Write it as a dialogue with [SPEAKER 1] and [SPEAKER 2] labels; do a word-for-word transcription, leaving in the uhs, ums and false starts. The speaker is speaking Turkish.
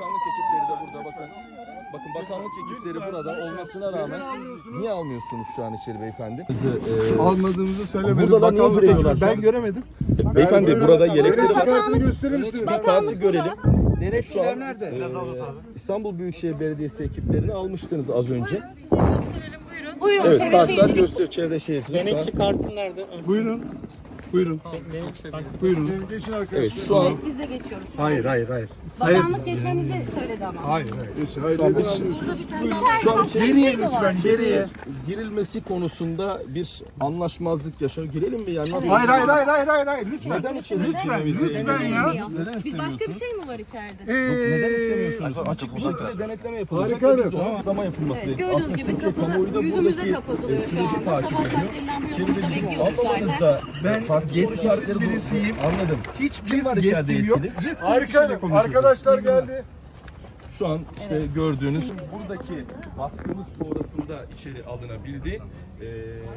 [SPEAKER 1] bakanlık ekipleri de burada bakın. Bakın bakanlık ekipleri burada olmasına rağmen niye almıyorsunuz şu an içeri beyefendi? Ee,
[SPEAKER 2] Almadığımızı söylemedim.
[SPEAKER 1] Burada da niye
[SPEAKER 2] Bakanlık
[SPEAKER 1] veriyorlar
[SPEAKER 2] ekibi-
[SPEAKER 1] şu an?
[SPEAKER 2] Ben göremedim.
[SPEAKER 1] Beyefendi burada yelekleri
[SPEAKER 2] Devlet
[SPEAKER 1] var.
[SPEAKER 2] kartını gösterir misiniz?
[SPEAKER 1] Bir kartı görelim.
[SPEAKER 3] Denetçiler
[SPEAKER 1] Şu an
[SPEAKER 3] nerede?
[SPEAKER 1] e, İstanbul Büyükşehir Belediyesi ekiplerini almıştınız az önce.
[SPEAKER 4] Buyurun
[SPEAKER 1] Evet,
[SPEAKER 4] çevre
[SPEAKER 1] kartlar
[SPEAKER 4] şehircilik.
[SPEAKER 1] gösteriyor çevre şehircilik.
[SPEAKER 5] Denetçi kartın nerede?
[SPEAKER 2] Buyurun. Buyurun. Buyurun. Geçin arkadaşlar.
[SPEAKER 1] Evet, şu an
[SPEAKER 4] Biz de geçiyoruz.
[SPEAKER 2] Hayır, hayır, hayır.
[SPEAKER 4] Bakanlık geçmemizi söyledi ama.
[SPEAKER 2] Hayır, hayır. Geçin. Hayır,
[SPEAKER 1] Şu an
[SPEAKER 2] hayır.
[SPEAKER 1] şu an içeri
[SPEAKER 2] Geriye lütfen, geriye.
[SPEAKER 1] girilmesi konusunda bir anlaşmazlık yaşanıyor. Girelim mi yani? Nasıl?
[SPEAKER 2] Hayır, hayır, hayır, hayır, hayır, hayır. Lütfen.
[SPEAKER 1] Neden içeri
[SPEAKER 2] Lütfen,
[SPEAKER 1] girmemizi
[SPEAKER 2] lütfen ya.
[SPEAKER 4] Bilmiyor.
[SPEAKER 1] Neden
[SPEAKER 4] Biz başka bir
[SPEAKER 1] istemiyorsunuz?
[SPEAKER 4] şey mi var içeride?
[SPEAKER 2] Ee,
[SPEAKER 1] Neden istemiyorsunuz? Açık bir şekilde denetleme yapılacak.
[SPEAKER 2] Harika,
[SPEAKER 1] Biz
[SPEAKER 2] evet,
[SPEAKER 1] de ona
[SPEAKER 2] tamam.
[SPEAKER 1] Kutlama yapılması
[SPEAKER 4] Evet,
[SPEAKER 1] gerekiyor.
[SPEAKER 4] gördüğünüz
[SPEAKER 1] Aslında
[SPEAKER 4] gibi
[SPEAKER 1] Türkiye kamuoyu
[SPEAKER 4] kapı
[SPEAKER 1] da
[SPEAKER 4] yüzümüze
[SPEAKER 1] buradaki,
[SPEAKER 4] kapatılıyor
[SPEAKER 1] e,
[SPEAKER 4] şu
[SPEAKER 1] süreci
[SPEAKER 4] anda.
[SPEAKER 1] takip
[SPEAKER 4] Sabah
[SPEAKER 1] ediyor.
[SPEAKER 4] saatlerinden beri
[SPEAKER 1] İçeride
[SPEAKER 4] burada
[SPEAKER 1] bizim
[SPEAKER 4] bekliyoruz zaten.
[SPEAKER 1] ablamızda
[SPEAKER 2] Ben
[SPEAKER 1] farklı
[SPEAKER 2] yetkisiz
[SPEAKER 1] soru
[SPEAKER 2] birisiyim.
[SPEAKER 1] Anladım.
[SPEAKER 2] Hiçbir
[SPEAKER 1] var içeride
[SPEAKER 2] yetkim yok.
[SPEAKER 1] yetkili?
[SPEAKER 2] Yetkili Harika. Arkadaşlar geldi.
[SPEAKER 1] Şu an işte gördüğünüz buradaki baskımız sonrasında içeri alınabildi. Ee,